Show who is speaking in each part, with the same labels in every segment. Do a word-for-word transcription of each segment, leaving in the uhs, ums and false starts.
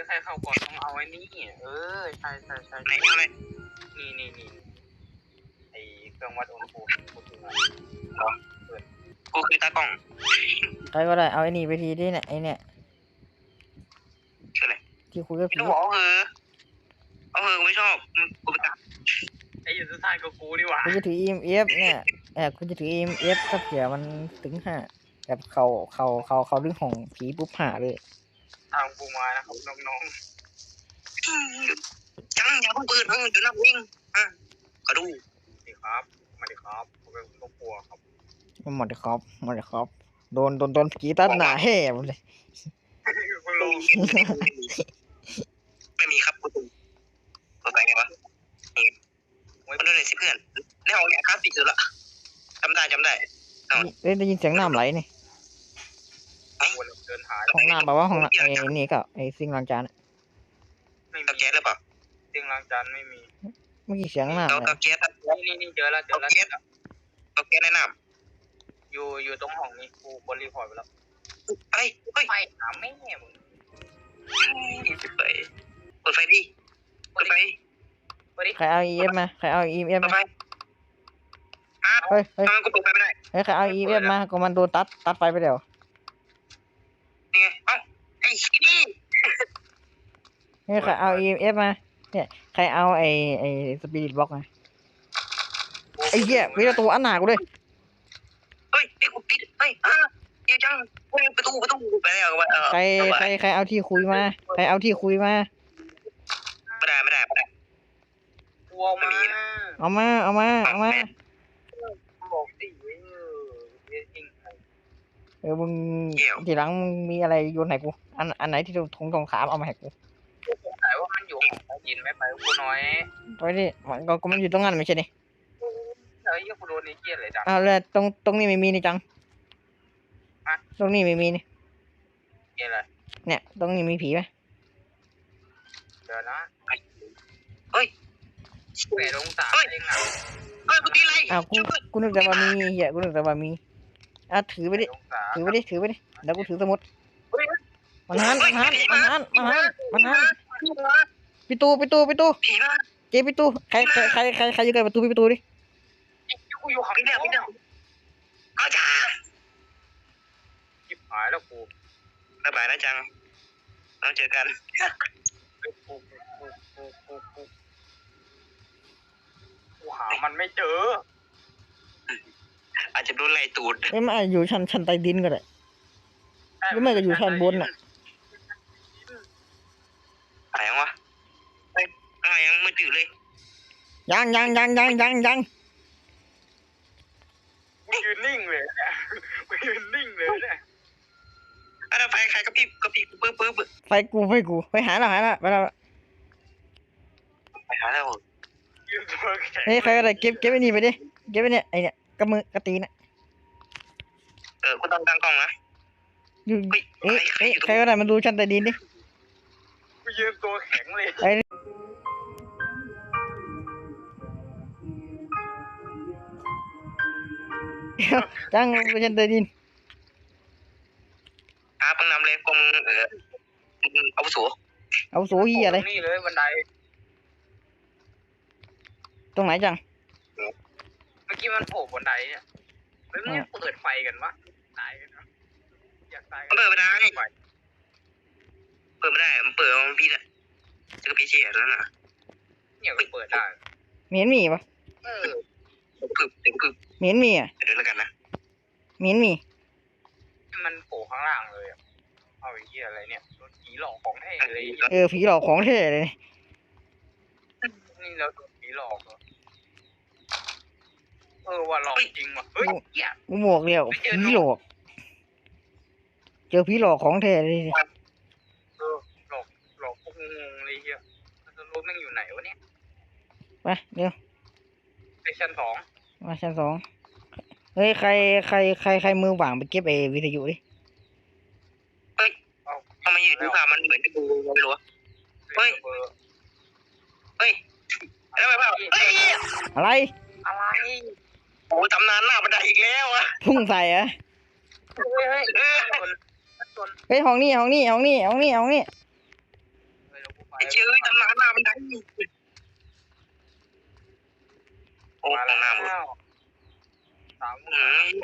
Speaker 1: ใครเข้าก่อนต้องเอาไอ้นี่เออใช่ใช่ใช่ไหนเลยนี่นี่นี่ไอเครื่องวัดอุณหภูมิกูคือกูคือตากล้อง
Speaker 2: ใครก็ได้เอาไอ้นี่ไปทีดิเนี่ยไอ้เนี่ยที่คุยกับผี
Speaker 1: ต้องบอกเออเออไม่ชอบกูไปตัดไอ้อยู่สุดท้ายก็กูดีกว่า
Speaker 2: กูจะถือ อี เอ็ม เอฟ เนี่ยแอบกูจะถือ อี เอ็ม เอฟ ถ้าเผื่อมันถึงห้าแบบเขาเขาเขาเขาดึงของผีปุ๊บหาเลย
Speaker 1: ทางกูมานะครับน้องๆจังอย่าเพิ่งเปิดเออเดี๋ยวน้ำวิ่งอ่ะก็ดูดีครับมาดีครับผมเป็นคนกลัวครับ
Speaker 2: หมดเลยครับหมดเลยครับโดนโดนโดนผีตัดหนาแห่หมดเลย
Speaker 1: ไม่มีครับคุณตัวไหนไงวะมันโดนเลยสิเพื่อนในห้องเนี่ยคลาสสิกสุดละจำได้จำได้
Speaker 2: เอ้ยได้ยินเสียงน้ำไหลนี่ห้องน้ำแบบว่าห้องไอ้นี่ก็ไอ้ซิงล้างจาน
Speaker 1: ไม่มีแก๊สหรือเปล่าซิงล้างจานไม่มี
Speaker 2: เมื่อกี้เสียงน้ำ
Speaker 1: เราแก๊สนี่นี่เจอแล้วเจอแล้วเราแก๊สแนะนำอยู่อยู่ตรงห้องนี้กูบนรีพอร์ตไปแล้วเฮ้ยเฮ้ยไฟหาไม่แน่มึงเปิดเปิดไฟดิเปิดไฟ
Speaker 2: ใครเอา อี เอ็ม มาใครเอา อี เอ็ม มาเฮ้ยเฮ้ย
Speaker 1: กูเปิดไฟไม่ได้
Speaker 2: เฮ้ยใครเอา อี เอ็ม มาก็มันโดนตัดตัดไฟไปเดี๋ยว
Speaker 1: นี่ไงเอ้าไอ้ชี้
Speaker 2: เฮ้ยใครเอา อี เอ็ม มาเนี่ยใครเอาไอ้ไอ้สปิริตบล็อกมาไอ้เหี้ยมีประตูอันหนากูด้วย
Speaker 1: เฮ้ยไอ้กูปิดเฮ้ยอ่ะเดี๋ยวจังประตูประตูไปแล้ว
Speaker 2: ใครใครใครเอาที่คุยมาใครเอาที่คุยมา
Speaker 1: ไม่ได้ไม่ได้ไม่ได้กลัวมา
Speaker 2: เอามาเอามาเอามา
Speaker 1: บอกสิ
Speaker 2: เออมึงทีหลังมึงมีอะไรโยนให้กูอันอันไหนที่ถุงตรงขามเอามาให้กู
Speaker 1: สายว่ามันอยู่ของยินไม่ไปกูน้อย
Speaker 2: ไปดิมันก็มันอยู่ตรงนั้นไม่ใช่ดิ
Speaker 1: เฮ้ยกูโดนนี่เกลียดเลยจัง
Speaker 2: อ้าวแล้วตรงตรงนี้ไม่มีนี่จังตรงนี้ไม่มีนี่
Speaker 1: เกลียดเลย
Speaker 2: เนี่ยตรงนี้มีผีไหม
Speaker 1: เดี๋ยวนะเฮ้ยแปดองศาเองอ่ะเฮ้ยกูตีอะไร
Speaker 2: อ้าวกูกูนึกแต่ว่ามีเหี้ยกูนึกแต่ว่ามีอ่ะถือไปดิถือไปดิถือไปดิเดี๋ยวกูถือสมุดมันหันมันหันมันหันมันหันมันหันปิตูปิตูปิตูเจ๊ปิตูใครใครใครใครใครอยู่ใกล้ประตูปิตูดิ
Speaker 1: กูอยู่ข้างเนี่ยพี่เนี่ยอาจารย์จิบหายแล้วกูบ๊ายบายนะจังเราเจอกันกูกูกูกูกูกูหามันไม่เจออาจจะโดนไล่ตูด
Speaker 2: ไม่มาอยู่ชั้นชั้นใต้ดินก็ได้หรือไม่ก็อยู่ชั้นบนน่ะ
Speaker 1: อะไรวะเฮ้ยอะไรยังไม่ตื่นเลย
Speaker 2: ยังยังยังยังยังยัง
Speaker 1: กูยืนนิ่งเลยกูยืนนิ่งเลยเนี่ยอะไรไฟใครกระพริบกระพริบปึ๊บปึ๊บ
Speaker 2: ไฟกูไฟกูไปหาแล้วหาแล้วไปแล้ว
Speaker 1: ไปหาแล้ว
Speaker 2: เฮ้ยใครก็ได้เก็บเก็บไอ้นี่ไปดิเก็บไอ้เนี่ยไอ้เนี่ยกระมือกระตีน่ะ
Speaker 1: เออกูต้องตั้งกล้องนะ
Speaker 2: อยู่เอ๊ะเอ๊ะใครก็ได้มาดูชั้นใต้ดินดิ
Speaker 1: กูยืนตัวแข็งเลย
Speaker 2: ไอ้จังไปชั้นใต้ดิน
Speaker 1: อาปังนำเลยกลมเออเอาสู
Speaker 2: เอาสูยี่อะไร
Speaker 1: นี่เลยบันได
Speaker 2: ตรงไหนจัง
Speaker 1: เมื่อกี้มันโผล่บันไดเนี่ยเฮ้ยมึงเปิดไฟกันวะตายกันนะอยากตายเปิดไม่ได้เปิดไม่ได้มันเปิดมันพี่เนี่ยจะก็พี่เชี่ยแล้วนะเนี่ยเปิดได้
Speaker 2: เหม็นมีปะ
Speaker 1: เออพึบเต็มพึบ
Speaker 2: เหม็นมีอ่ะ
Speaker 1: เดี๋ยวแล้วกันนะ
Speaker 2: เหม็นมี
Speaker 1: มันโผล่ข้างล่างเลยเอาไอ้เหี้ยอะไรเนี่ยโดนผีหลอกของแท้เลย
Speaker 2: เออผีหลอกของแท้เลย
Speaker 1: นี่เราโดนผีหลอกเออว่าหลอกจริงว่ะเฮ้ย
Speaker 2: กูหมวกเดียวผีหลอกเจอผีหลอกของแท้เลย
Speaker 1: เออหลอกหลอกพวกงงเลยเหี้ยมันจะรู้แม่งอยู่ไหนวะเนี่ย
Speaker 2: ไปเดี๋ยว
Speaker 1: ไปชั้นสอง
Speaker 2: มาชั้นสองเฮ้ยใครใครใครใครมือว่างไปเก็บไอ้วิทยุดิ
Speaker 1: เฮ้ยทำไมอยู่ที่ผ่ามันเหมือนจะดูไม่รู้เฮ้ยเฮ้ยอะไรแบบเฮ้ย
Speaker 2: อะไร
Speaker 1: อะไรโอ้ตำนานหน้าบันไดอีกแล้วอะ
Speaker 2: พุ่งใส่อะ
Speaker 1: เฮ้ยเฮ้ย
Speaker 2: เฮ้ยห้องนี้ห้องนี้ห้องนี้ห้องนี้ห้องนี้
Speaker 1: ไอ้เจ้ยตำนานหน้ามันได้โอ้ตำนานหมดสามเอ้ย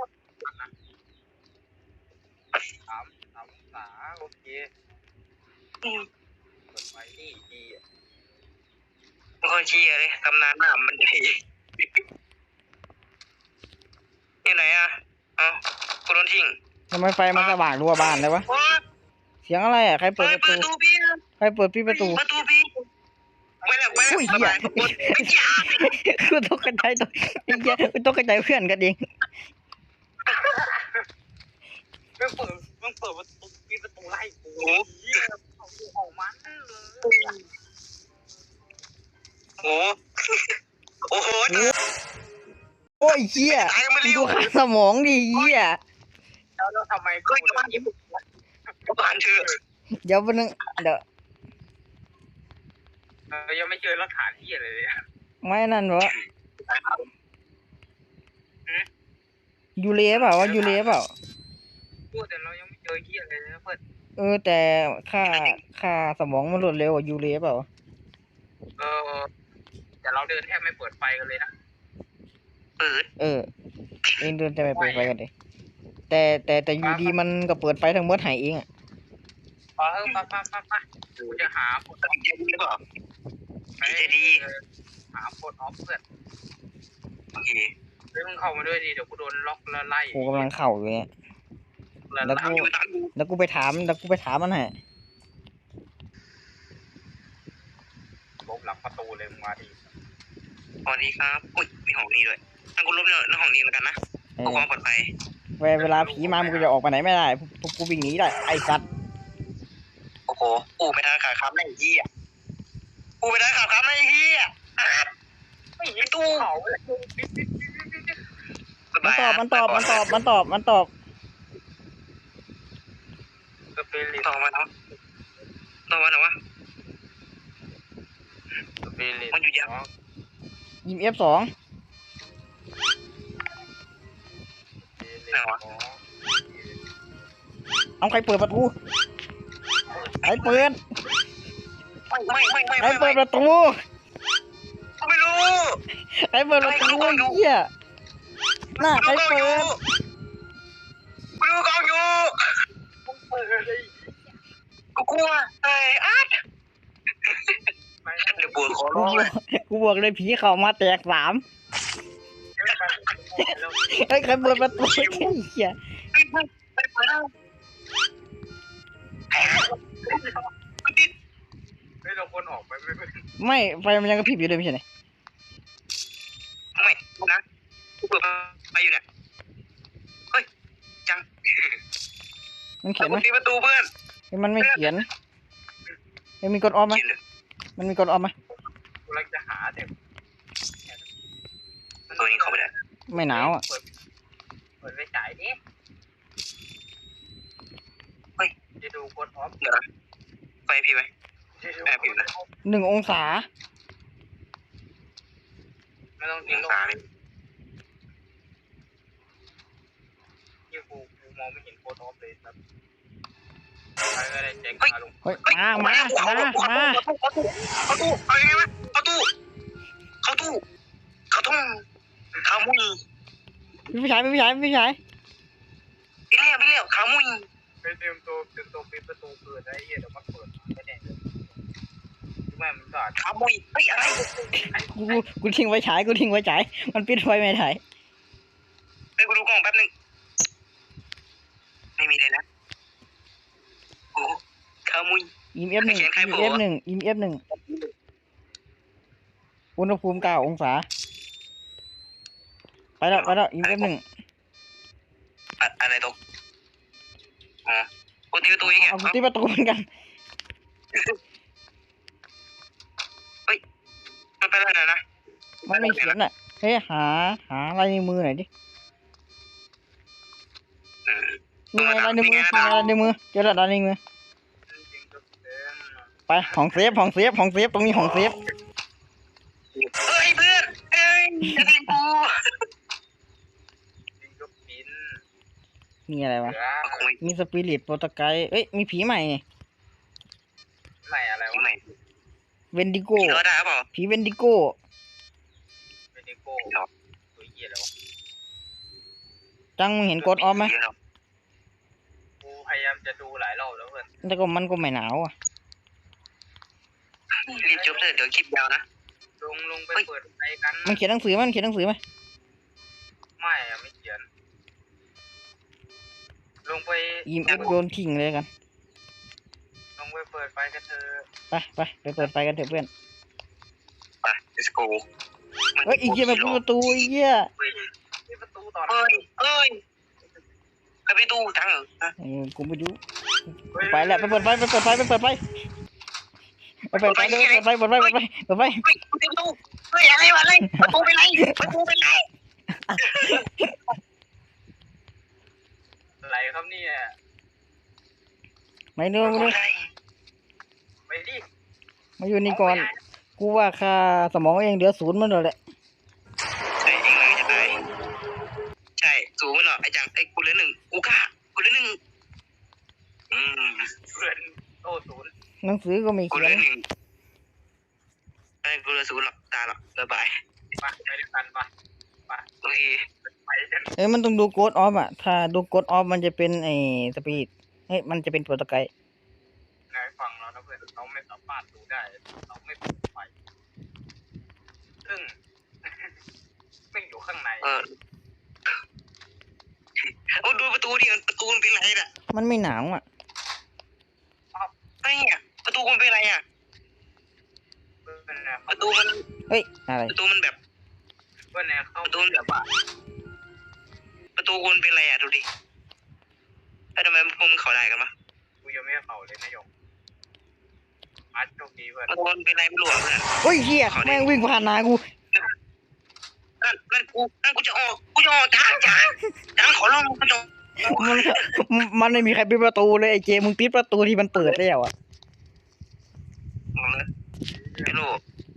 Speaker 1: สามสามสาโอเคเปิดไฟนี่ดีอ่ะมันก็เชียร์เลยตำนานหน้ามันได้ที่ไหนอ่ะเอ้ากูโดนทิ้ง
Speaker 2: ทำไมไฟมันสว่างรัวบ้านเลยวะเสียงอะไรอ่ะใครเปิดประตูใครเปิดพี่ประตู
Speaker 1: ประตูพี่ไม่แล้วไม่แล้ว
Speaker 2: อุ้ยเหี้ยกูตกกระจายตัวไอ้เหี้ยกูตกกระจายเพื่อนกันเอง
Speaker 1: มึงเปิดมึงเปิดประตูปิดประตูไล่กูออกมันโอ้โอ้โห
Speaker 2: โอ้ยเหี้ยดูค่าสมองดิเหี้ย
Speaker 1: แล้วแล้วทำไมก็จะมายิ้มก็ผ่านเถอะ
Speaker 2: เดี๋ยววันนึงเดี๋ยว
Speaker 1: เออยังไม่เจอหลักฐานที่อะไรเลย
Speaker 2: ไม่นั่นวะยูเล่เปล่าวะยูเล่เปล่า
Speaker 1: พูดแต่เรายังไม่เจอที่อะไรเลยนะเพื่อน
Speaker 2: เออแต่ค่าค่าสมองมันรวดเร็วกว่ายูเล่เปล่า
Speaker 1: เออแต่เราเดินแทบไม่เปิดไฟกันเลยนะเปิด
Speaker 2: เออเองเดินจะไปเปิดไฟกันดิแต่แต่แต่อยูดีมันก็เปิดไฟทั้งหมดหายเองอ่ะ
Speaker 1: เออป้าป้าป้าป้ากูจะหาคนดีหรือเปล่าจะดีหาคนออฟเพื่อนโอเคเฮ้ยมึงเข้ามาด้วยดิเดี๋ยวกูโดนล็อกแล้วไล่
Speaker 2: กูกำลังเข่าอยู่เนี่ย
Speaker 1: แล้วกู
Speaker 2: แล้วกูไปถามแล้วกูไปถามมันให้
Speaker 1: ลบหลังประตูเลยมึงมาดิสวัสดีครับอุ้ยมีห้องนี้ด้วยถ้ากูลบเนี่ยในห้องนี้แล้วกันนะเพื่อความปลอดภัย
Speaker 2: เวลาผีมามันก็จะออกไปไหนไม่ได้พวกกูวิ่งหนีได้ไอ้สัตว์
Speaker 1: โอ้โหกูไปทางขาค้ำในเหี้ยกูไปทางขาค้ำในเหี้ยไอ้ตู้
Speaker 2: มันตอบมันตอบมันตอบมันตอบมันตอบ
Speaker 1: สเปริตต่อมาเนาะต่อมาเนาะวะสเปริตมันอยู่ยัง
Speaker 2: ยิมเอฟสอง
Speaker 1: ไหนวะ
Speaker 2: เอาใครเปิดประตูใครเปิด
Speaker 1: ไม่ไม่ไม่
Speaker 2: ใคร
Speaker 1: ไม่
Speaker 2: เปิดประตู
Speaker 1: กูไม่รู้
Speaker 2: ใครเปิดประตูเหี้ยหน้าใครเปิด
Speaker 1: กูดูกองอยู่กูกลัวไอ้อาร์ตเดี๋ยวปวดคอ
Speaker 2: กู
Speaker 1: ร้อง
Speaker 2: บ
Speaker 1: เล
Speaker 2: อย กกูบอกเลยผีเข้ามาแตกสามไอ้ยใครเปิดประตูไอ้เหี้ย
Speaker 1: ไม่เปิดแล้วไม่เราคนออกไปไม่ไม่
Speaker 2: ไม่ไฟมันยังกระพริบอยู่เลยไม่ใช่ไหม
Speaker 1: ไม่นะกูเปิดไปอยู่เนี่ยเฮ้ยจัง
Speaker 2: มันเขียนไหม
Speaker 1: ตีประตูเพื่อน
Speaker 2: เฮ้ยมันไม่เขียนเฮ้ยมีกดออฟไหมมันมีกดออฟไหม
Speaker 1: กูกำลังจะหาแต่ตัวนี้เข้าไปได้
Speaker 2: ไม่หนาวอ่ะ
Speaker 1: เปิดเปิดไฟฉายดิเฮ้ยจะดูกดออฟเดี๋ยวนะไฟพี่ไหมแอบผิวนะ
Speaker 2: หนึ่งองศา
Speaker 1: ไม่ต้องยิงตาเลยยี่กูกูมองไม่เห็นโคตรออฟเลยครับใครก็ได้แจ้งมาลง
Speaker 2: เฮ้ยมามามามา
Speaker 1: เข้าตู้เอายังไงวะเข้าตู้เข้าตู้เข้าตู้ขามุย
Speaker 2: พี่ชายพี่ชายพี่ชาย
Speaker 1: พี่เลี้ยวพี่เลี้ยวขามุยไปเตรียมตัวเตรียมตัวปิดประตูเปิดได้เหี้ยเดี๋ยวมันเปิดไม่แน่เลยแม่มันก็ขามุยเฮ้ยอะไร
Speaker 2: กูกูทิ้งไว้ฉายกูทิ้งไว้ฉายมันปิดไฟไม่ได้
Speaker 1: ไปกูดูกล้องแป๊บนึงไม่มีเลยนะโอ้ขามุย
Speaker 2: อิมเอฟหนึ่งอิมเอฟหนึ่งอิมเอฟหนึ่งอุณหภูมิเก้าองศาไปแล้วไปแล้วอิมเอฟหนึ่ง
Speaker 1: อะไรตกอ๋อกูตีประตูเองอ่ะ
Speaker 2: เอากูตีประตูเหมือนกัน
Speaker 1: มันเป็นอะไรนะ
Speaker 2: มันไม่เขียนอ่ะเฮ้ยหาหาลายนิ้วมือหน่อยดินี่ไงลายนิ้วมือนี่ไงลายนิ้วมือเจอแล้วลายนิ้วมือไปห้องเซฟห้องเซฟห้องเซฟตรงนี้ห้องเซฟ
Speaker 1: เฮ้ยเพื่อนเอ้ยจะตีกู
Speaker 2: มีอะไรวะมีสปิริตโปรตไกด์เอ้ยมีผีใหม่นี่
Speaker 1: ไหนม่อะไรวะใหม่
Speaker 2: เวนดิโก
Speaker 1: รอได้เปล่า
Speaker 2: ผีเวนดิโก
Speaker 1: เวนดิโก้ตัวเหี้ยแล้ว
Speaker 2: จังมึงเห็นกดออฟไหม
Speaker 1: กูพยายามจะดูหลายรอบแล้วเพื่อน
Speaker 2: แต่ก็มันก็ไม่หนาวอ่ะ
Speaker 1: รีบจบเถอะเดี๋ยวคลิปยาวนะลงลงไปเปิดไฟกัน
Speaker 2: มันเขียนหนังสือไหมมันเขียนหนังสือไหม
Speaker 1: ไม่อะไม่เขียนลงไป
Speaker 2: อีมเอฟโดนทิ้งเลยกัน
Speaker 1: ลงไปเปิดไฟกันเถอะ
Speaker 2: ไปไปไปเปิดไฟกันเถอะเพื่อน
Speaker 1: ไป let's go
Speaker 2: เฮ้ยอีกเหี้ยมาปิดประตูไอ้เหี้ย
Speaker 1: ปิดประตูตอนเอ้ยเอ้ยไปประตูจังเหรอ
Speaker 2: เออกูไม่รู้ไปแหละไปเปิดไฟไปเปิดไฟไปเปิดไฟไปเปิดไฟเปิดไฟเปิดไฟเปิดไฟเปิดไฟ
Speaker 1: เฮ้ยประตูเฮ้ยอะไรวะอะไรประตูเป็นไรประตูเป็นไรอะไรครับเนี่ย
Speaker 2: ไม่รู้ไม่รู้
Speaker 1: ไปดิ
Speaker 2: มาอยู่นี่ก่อนกูว่าค่าสมองเองเหลือศูนย์มันเลยแหละ
Speaker 1: ใช่เองเลยจะตายใช่สูงไปหน่อยไอ้จังไอ้กูเหลือหนึ่งกูกล้ากูเหลือหนึ่งอืมเพื่อนโอ้ศูนย์
Speaker 2: หนังสือก็ไม่
Speaker 1: กู
Speaker 2: เขี
Speaker 1: เห
Speaker 2: ย
Speaker 1: ลื
Speaker 2: น
Speaker 1: อหนึ่งไอ้กูเหลือศูนย์หรอกตายหรอกบ๊ายบายไปไปด้วยกันปะไปโอเคไปกัน
Speaker 2: เอ้ยมันต้องดูโกดออฟอ่ะถ้าดูโกดออฟมันจะเป็นไอ้สปีดเฮ้ยมันจะเป็นโปรโตไกด์
Speaker 1: นายฟังเรานะเพื่อนเราไม่สามารถดูได้เราไม่เปิดไฟซึ่ง ไม่อยู่ข้างในเออโอ้ดูประตูดิประตูมันเป็นไรน่ะ
Speaker 2: มันไม่หนาวอ่ะ
Speaker 1: ไอ้เนี่ยประตูมันเป็นไรอ่ะประตูมัน
Speaker 2: เฮ้ยอะไร
Speaker 1: ประตูมันแบบว่าแนวเข้าประตูมันแบบว่าประตูมันเป็นไรอ่ะดูดิแล้วทำไมพวกมึงเขาได้กันวะกูยังไม่เขาเลยนายกอาร์ตโชคดีเพื่อนประตูมันเป็นไรไม่รู้อ่ะเพื่อน
Speaker 2: เฮ้ยเฮียแม่งวิ่งผ่านหน้ากู
Speaker 1: นั่นนั่นกูนั่นกูจะออกกูจะออกจ้างจ้างจ้างขอร้องกูจะ
Speaker 2: มันมันไม่มีใครปิดประตูเลยไอ้เจมึงปิดประตูที่มันเปิดแล้วอ่ะ
Speaker 1: ไม่รู้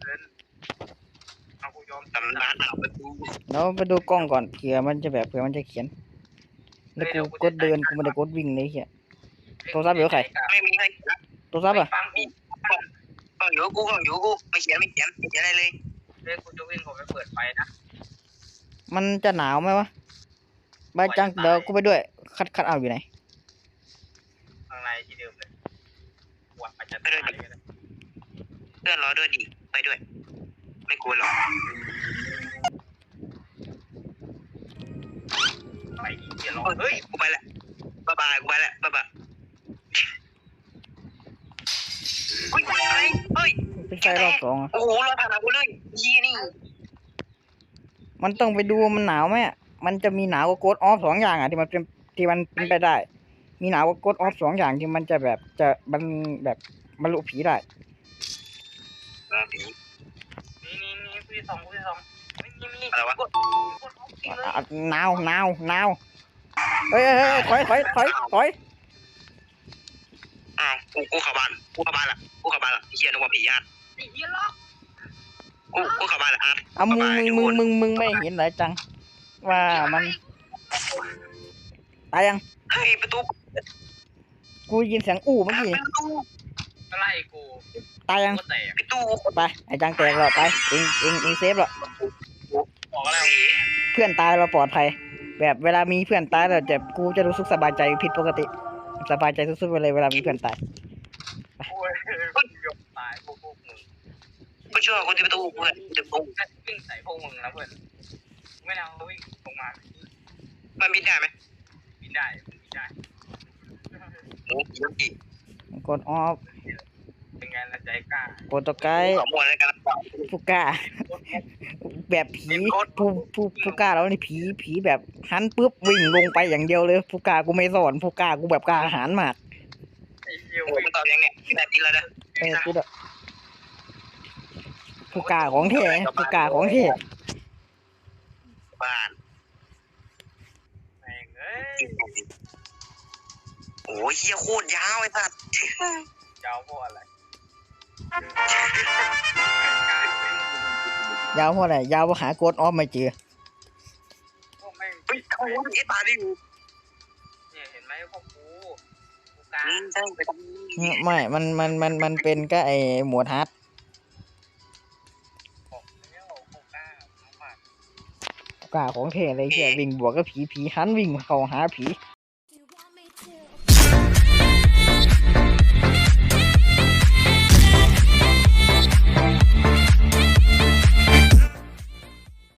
Speaker 1: เอากูยอมตำนานเอาประตู
Speaker 2: เราไปดูกล้องก่อนเผื่อมันจะแบบเผื่อมันจะเขียนแล้วกูกดเดินกูไม่ได้กดวิ่งเลยเฮียโทรศัพท์อยู่กับใคร
Speaker 1: ไม่มีใคร
Speaker 2: โทรศัพท์อ่ะ
Speaker 1: ฟังกูฟังอยู่กูฟังอยู่กูไม่เขียนไม่เขียนไม่เขียนอะไรเลยเดี๋ยวกูจะวิ่งผมไปเปิดไฟนะ
Speaker 2: มันจะหนาวไหมวะบายจังเดี๋ยวกูไปด้วยคัดคัดเอาอยู่ไหน
Speaker 1: ข้างในที่เดิมเลยวัดอาจจะไปด้วยเพื่อนรอด้วยดิไปด้วยไม่กลัวหรอกไปเดี๋ยวรอเฮ้ยกูไปละบ๊ายบายกูไปละบ๊ายบายเฮ้ยอะไรเฮ้ย
Speaker 2: เป็นไฟรอบสองอะ
Speaker 1: โอ้โหรอผ่านกูเลยยี่นี่
Speaker 2: มันต้องไปดูมันหนาวไหมอะมันจะมีหนาวกับโกดออฟสองอย่างอ่ะที่มันเป็นที่มันเป็นไปได้ มีหนาวกับโกดออฟสองอย่างที่มันจะแบบจะมันแบบบรรลุผีได้
Speaker 1: ผีนี่นี่นี่คุยสองคุยสองไม่มีมีอะไรวะ
Speaker 2: อ่ะหนาวหนาวหนาวเฮ้ยเฮ้ยเฮ้ยถอยถอยถอยถอย
Speaker 1: อ้าวกูกูเข้าบ้านกูเข้าบ้านละกูเข้าบ้านละเฮียนึกว่าผีอาร์ตผีล็อกกูกูเข้าบ้านละอาร์ต
Speaker 2: เอามึงมึงมึงมึงมึงไม่เห็นเหรอจัง ว่ามันตายยัง
Speaker 1: เฮ้ยประตู
Speaker 2: กูยินเสียงอู้เมื่อกี้
Speaker 1: ประตูอะไรกู
Speaker 2: ตายยัง
Speaker 1: ประตู
Speaker 2: ไปไอ้จังแตกแล้วไปเองเองเองเซฟแล้ว
Speaker 1: บอกอะไร
Speaker 2: เพื่อนตายเราปลอดภัย แบบเวลามีเพื่อนตายเราจะกูจะรู้สึกสบายใจผิดปกติสบายใจสุดๆไปเลยเวลามีเพื่อนตาย
Speaker 1: โอ้ยยกตายพวกพวกมึงกูเชื่อคนที่ประตูเพื่อนจะปุ้งวิ่งใส่พวกมึงนะเพื่อนไม่เอาวิ่งลงมามันบินได้ไหมบินได้บินได้โอ้ยยกอีก
Speaker 2: กดออฟ
Speaker 1: เป็นไงละใจกล้า
Speaker 2: โปรโตไกด์
Speaker 1: ขโมยอะไรกัน
Speaker 2: ผู้กล้า แบบผีผู้ผู้ผู้กล้าแล้วนี่ผีผีแบบหันปุ๊บวิ่งลงไปอย่างเดียวเลยผู้กล้ากูไม่สอนผู้กล้ากูแบบกล้าหาญมาก
Speaker 1: ไอ้เหี้ยวิ่งตอบยังเนี่ยนาทีละนะ
Speaker 2: เออกูแบบผู้กล้าของแท้ผู้กล้าของแท้
Speaker 1: บ้านแม่งเอ้ยโอ้ยเหี้ยโคตรยาวไอ้สัสยาวเพราะอะไร
Speaker 2: ยาวเพราะอะไรยาวเพราะหาโกดออฟไม่เจอ
Speaker 1: พวกแม่งเฮ้ยเขาเอ็ดบาร์ดิวเนี่ยเห็นไหมพวกกูกูกใช่ไปท
Speaker 2: ไม่มันมันมันมันเป็นก็ไอหมวดฮาร์ด
Speaker 1: ำ
Speaker 2: กล้าของเท่เลยเฮียวิ่งบวกกับผีผีหันวิ่งเข้าหาผี